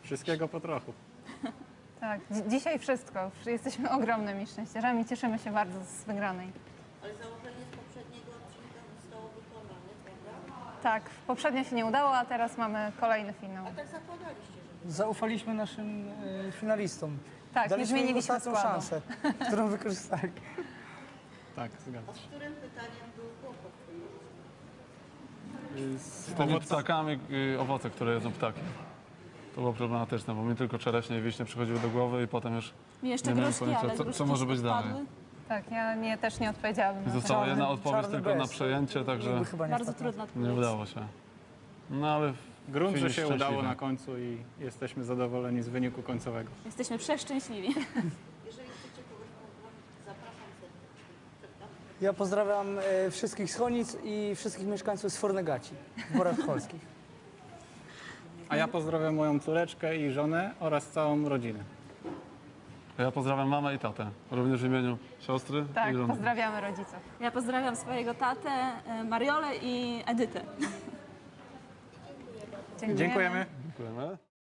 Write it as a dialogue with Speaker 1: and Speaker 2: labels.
Speaker 1: Wszystkiego po trochu.
Speaker 2: Tak, dzisiaj wszystko. Jesteśmy ogromnymi szczęściarzami. Cieszymy się bardzo z wygranej.
Speaker 3: Ale założenie z poprzedniego odcinka zostało wykonane, prawda?
Speaker 2: Tak, poprzednio się nie udało, a teraz mamy kolejny finał.
Speaker 3: A tak zakładaliście, że...
Speaker 4: Zaufaliśmy naszym finalistom.
Speaker 2: Tak, nie
Speaker 4: Daliśmy im
Speaker 2: zmieniliśmy
Speaker 4: ostatnią
Speaker 2: składu.
Speaker 4: szansę, którą wykorzystali.
Speaker 1: Tak, zgadza
Speaker 3: A z
Speaker 1: się.
Speaker 3: którym pytaniem był kłopot?
Speaker 1: Z
Speaker 5: Tymi ptakami, owoce, które jedzą ptaki. To było problematyczne, bo mi tylko czereśnie i wiśnie przychodziły do głowy i potem już
Speaker 6: Mi jeszcze
Speaker 5: nie miałem
Speaker 6: gruszki,
Speaker 5: pojęcia,
Speaker 6: ale
Speaker 5: co
Speaker 6: gruszki
Speaker 5: może być
Speaker 6: spadły.
Speaker 5: dalej.
Speaker 2: Tak, ja też nie odpowiedziałabym na to.
Speaker 5: Została jedna
Speaker 4: Czarny-
Speaker 5: odpowiedź
Speaker 4: czarny
Speaker 5: tylko na
Speaker 4: bez.
Speaker 5: przejęcie, także
Speaker 4: Jakby chyba nie
Speaker 6: Bardzo
Speaker 4: wpadł.
Speaker 6: trudna odpowiedź.
Speaker 5: nie udało się. No ale
Speaker 1: Grunt, że
Speaker 5: finish
Speaker 1: się udało
Speaker 5: szczęśliwy.
Speaker 1: na końcu i jesteśmy zadowoleni z wyniku końcowego.
Speaker 6: Jesteśmy przeszczęśliwi.
Speaker 3: Jeżeli chcecie kogoś pozdrowić, zapraszam serdecznie.
Speaker 4: Ja pozdrawiam wszystkich z Chonic i wszystkich mieszkańców z Fornegaci w Borach Polskich.
Speaker 1: A ja pozdrawiam moją córeczkę i żonę oraz całą rodzinę.
Speaker 5: Ja pozdrawiam mamę i tatę, również w imieniu siostry
Speaker 2: Tak,
Speaker 5: i żony.
Speaker 2: pozdrawiamy rodziców.
Speaker 6: Ja pozdrawiam swojego tatę, Mariolę i Edytę.
Speaker 2: Dziękujemy.
Speaker 1: Dziękujemy.
Speaker 5: Dziękujemy.